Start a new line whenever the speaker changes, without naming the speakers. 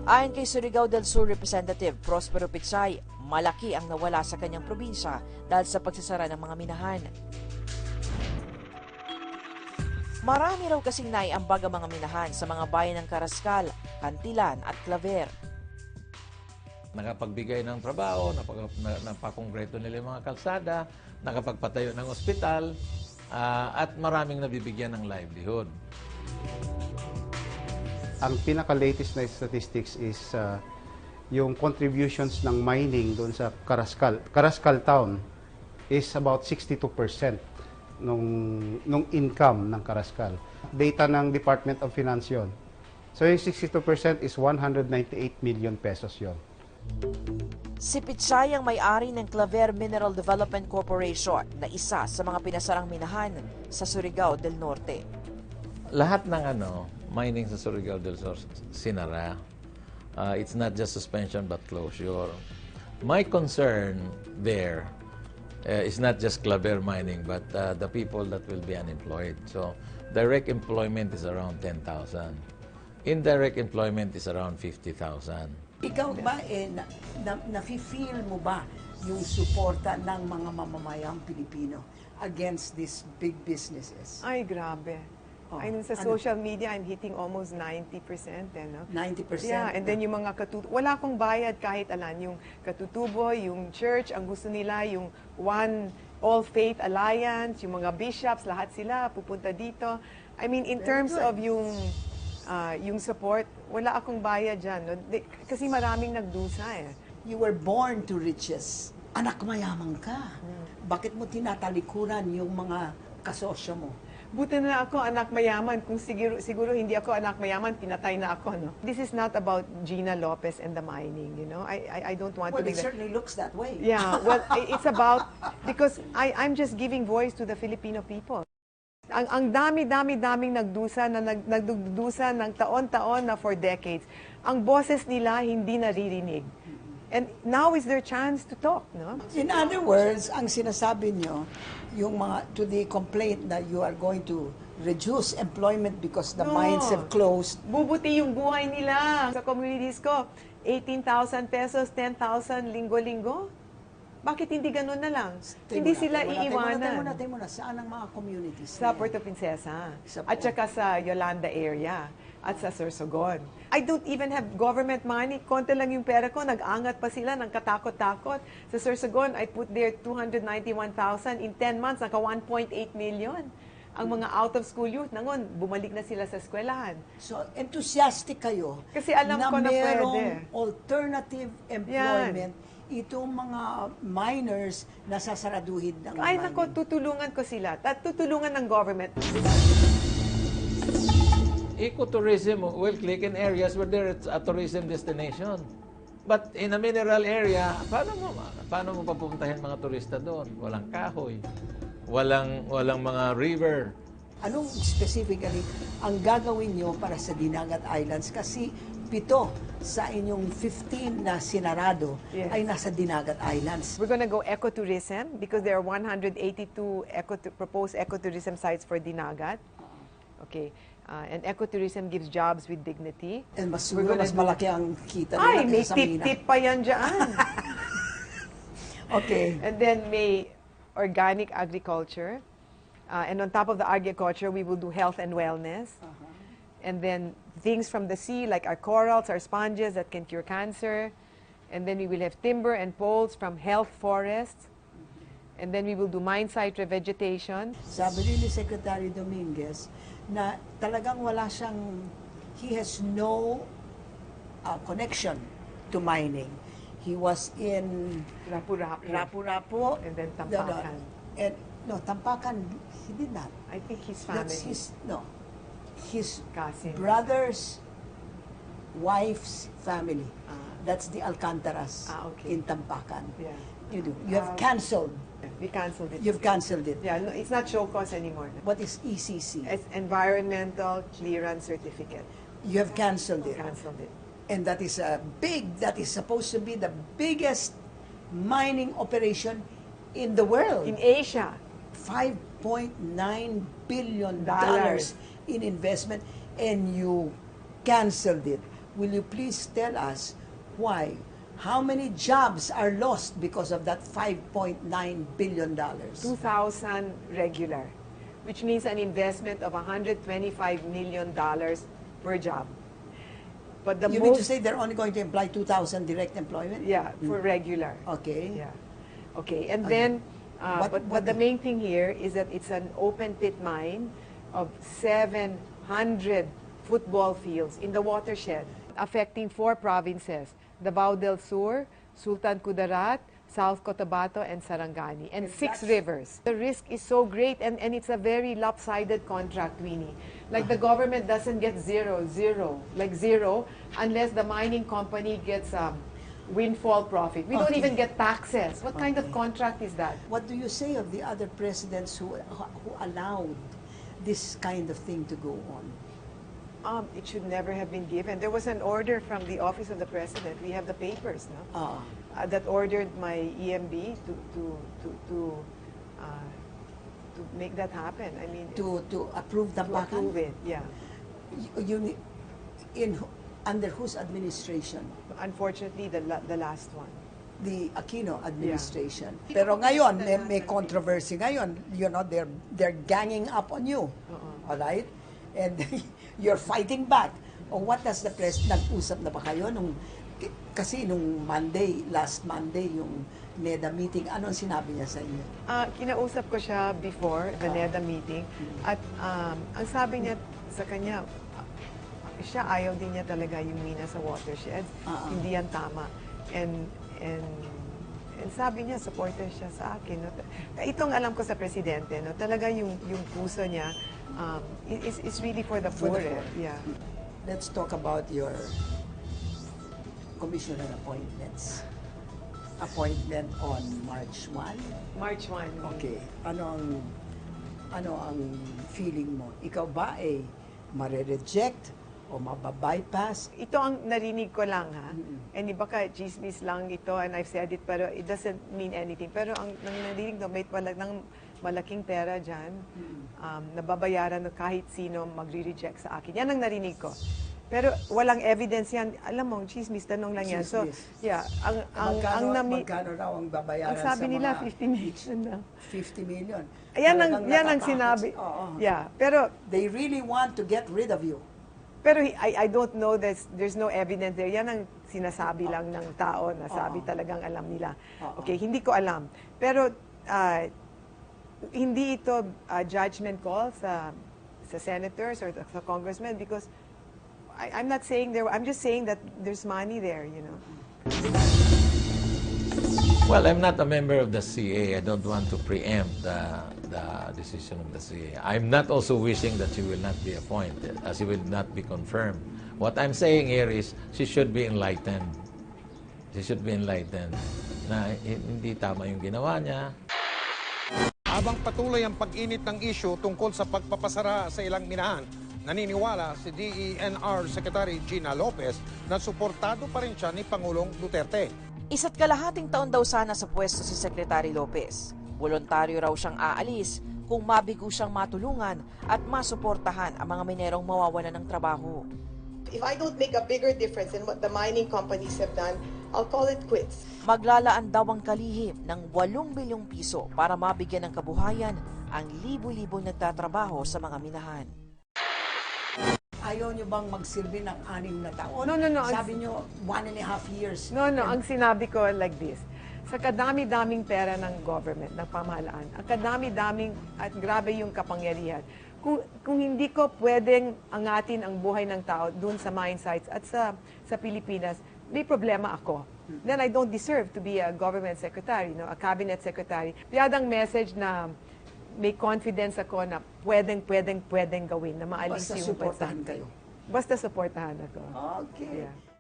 Ayon kay Surigao del Sur Representative Prospero Pitsay, malaki ang nawala sa kanyang probinsya dahil sa pagsasara ng mga minahan. Marami raw kasing naiambag ang mga minahan sa mga bayan ng Carrascal, Cantilan at Claver.
Nakapagbigay ng trabaho, napakongreto nila yung mga kalsada, nakapagpatayo ng ospital, at maraming nabibigyan ng livelihood.
Ang pinaka-latest na statistics is yung contributions ng mining doon sa Carrascal. Carrascal town is about 62% nung income ng Carrascal. Data ng Department of Finance yun. So yung 62% is 198 million pesos yun.
Si Pitsay ang may-ari ng Claver Mineral Development Corporation na isa sa mga pinasarang minahan sa Surigao del Norte.
Lahat ng mining sa Surigao del Sur sinara. It's not just suspension but closure. My concern there is not just Claver mining but the people that will be unemployed. So direct employment is around 10,000. Indirect employment is around 50,000.
Ikaw ba, nafe-feel mo ba yung suporta ng mga mamamayang Pilipino against these big businesses?
Ay, grabe. I mean, sa social media, I'm hitting almost 90%.
90%?
Yeah, and then yung mga wala akong bayad kahit alan. Yung katutubo, yung church, ang gusto nila, yung One All Faith Alliance, yung mga bishops, lahat sila pupunta dito. I mean, in terms of yung support, wala akong bayad dyan. No? Kasi maraming nagdusa eh.
You were born to riches. Anak mayaman ka. Bakit mo tinatalikuran yung mga kasosyo mo?
Buti na ako anak mayaman. Kung siguro hindi ako anak mayaman, pinatay na ako. No? This is not about Gina Lopez and the mining, you know. I don't want to
Well,
be
it certainly looks that way.
Yeah, well, it's about, because I'm just giving voice to the Filipino people. Ang daming nagdusa ng taon-taon na for decades. Ang boses nila hindi naririnig. And now is their chance to talk, no?
In other words, ang sinasabi nyo, yung to the complaint that you are going to reduce employment because the mines have closed.
Bubuti yung buhay nila. Sa communities ko, 18,000 pesos, 10,000 linggo-linggo. Bakit hindi ganun na lang? Hindi sila iiwanan.
Tayo muna. Saan ang mga communities?
Sa Puerto Princesa. At saka sa Yolanda area. At sa Sorsogon. I don't even have government money. Konti lang yung pera ko. Nag-angat pa sila ng katakot-takot. Sa Sorsogon, I put there 291,000. In 10 months, naka 1.8 million. Ang mga out-of-school youth, nangon, bumalik na sila sa eskwelahan.
So, enthusiastic kayo
Kasi alam ko na
merong
pwede.
Alternative employment itong mga miners na sasaraduhin ng
Ay,
mining.
nako, tutulungan ko sila. At tutulungan ng government.
Ecotourism will click in areas where there's a tourism destination. But in a mineral area, paano mo papuntahin mga turista doon? Walang kahoy, walang mga river.
Anong specifically ang gagawin nyo para sa Dinagat Islands? Kasi 7 sa inyong 15 na sinarado ay nasa Dinagat Islands.
We're gonna go ecotourism because there are 182 proposed ecotourism sites for Dinagat. Okay. And ecotourism gives jobs with dignity.
And mas malaki ang kita nila.
Ay, may tip-tip pa yan dyan.
Okay.
And then may organic agriculture. And on top of the agriculture, we will do health and wellness. And then things from the sea, like our corals, our sponges that can cure cancer. And then we will have timber and poles from health forests. And then we will do mine site revegetation.
Sabi ni Secretary Dominguez na talagang he has no connection to mining. He was in Rapu-Rapu.
And then Tampakan.
Tampakan, he did not.
I think his family.
His
Cousins.
brother's wife's family. That's the Alcantaras
okay.
in Tampakan.
Yeah.
You have canceled.
We canceled it.
You've canceled it.
Yeah, no, it's not show cause anymore.
What is ECC?
It's Environmental Clearance Certificate.
You have canceled it.
Canceled it.
And that is that is supposed to be the biggest mining operation in the world.
In Asia.
$5.9 billion
Dollars.
in investment, and you canceled it. will you please tell us why? How many jobs are lost because of that $5.9 billion?
2,000 regular, which means an investment of $125 million per job. But the
You
most,
mean to say they're only going to employ 2,000 direct employment?
yeah, for regular.
Okay.
Yeah. Okay. And
Okay.
then,
What-
but the main thing here is that it's an open pit mine of 700 football fields in the watershed, affecting 4 provinces: Davao del Sur, Sultan Kudarat, South Cotabato, and Sarangani, and 6 rivers. The risk is so great, and it's a very lopsided contract, Winnie. Like the government doesn't get zero, unless the mining company gets windfall profit. We don't
Okay.
even get taxes. What kind of
Okay.
contract is that?
What do you say of the other presidents who allowed this kind of thing to go on?
It should never have been given. There was an order from the office of the president. We have the papers, no? That ordered my EMB to make that happen. I mean,
to approve the
to approve it. Yeah.
Under whose administration?
Unfortunately, the last one.
The Aquino administration. Pero ngayon, may controversy ngayon. You know, they're ganging up on you. All right? And you're fighting back. O what does the nag-usap na ba kayo kasi nung last Monday, yung NEDA meeting, anong sinabi niya sa inyo?
Kinausap ko siya before the NEDA meeting, at ang sabi niya sa kanya, siya ayaw din niya talaga yung mina sa watersheds. Hindi yan tama. And sabi niya, supporter siya sa akin. No? Itong alam ko sa presidente, no? Talaga yung puso niya is really for the poor. Yeah.
Let's talk about your commissioner appointments. Appointment on March 1.
March 1.
Okay. Ano ang feeling mo? Ikaw ba ay mare-reject o mababypass?
Ito ang narinig ko lang, ha? And iba ka, chismis lang ito, and I've said it, pero it doesn't mean anything. Pero ang narinig ko, may malaking pera dyan, nababayaran na kahit sino magre-reject sa akin. Yan ang narinig ko. Pero walang evidence yan. Alam mo, chismis, tanong lang yan. So, yeah,
Magkano raw ang babayaran
ang sabi
sa
nila,
mga
50 million na.
50 million.
Yan
Talagang
ang
natatakot
sinabi.
Oo.
Yeah, pero
They really want to get rid of you.
Pero I don't know, there's no evidence there. Yan ang sinasabi lang ng tao na sabi talagang alam nila. Okay, hindi ko alam. Pero hindi ito judgment call sa senators or sa congressmen, because I'm not saying I'm just saying that there's money there, you know.
Well, I'm not a member of the CA. I don't want to preempt the decision of the CA. I'm not also wishing that she will not be appointed, as she will not be confirmed. What I'm saying here is she should be enlightened. She should be enlightened na hindi tama yung ginawa niya.
Habang patuloy ang pag-init ng isyu tungkol sa pagpapasara sa ilang minahan, naniniwala si DENR Secretary Gina Lopez na suportado pa rin siya ni Pangulong Duterte.
1.5 taon daw sana sa pwesto si Secretary Lopez. Voluntaryo raw siyang aalis kung mabigo siyang matulungan at masuportahan ang mga minerong mawawalan ng trabaho.
If I don't make a bigger difference in what the mining companies have done, I'll call it quits.
Maglalaan daw ang kalihim ng 8 bilyong piso para mabigyan ng kabuhayan ang libo-libong nagtatrabaho sa mga minahan.
Ayaw nyo bang magsilbi ng 6 na taon?
No.
Sabi nyo, 1.5 years.
No, ang sinabi ko like this. Sa kadami-daming pera ng government, ng pamahalaan, ang kadami-daming at grabe yung kapangyarihan. Kung hindi ko pwedeng angatin ang buhay ng tao dun sa mine sites at sa Pilipinas, may problema ako. Then I don't deserve to be a government secretary, no, a cabinet secretary. Piyadang message na may confidence ako na pwedeng gawin, na maalis
Basta
yung
suportahan kayo.
Basta suportahan ako.
Okay.
Yeah.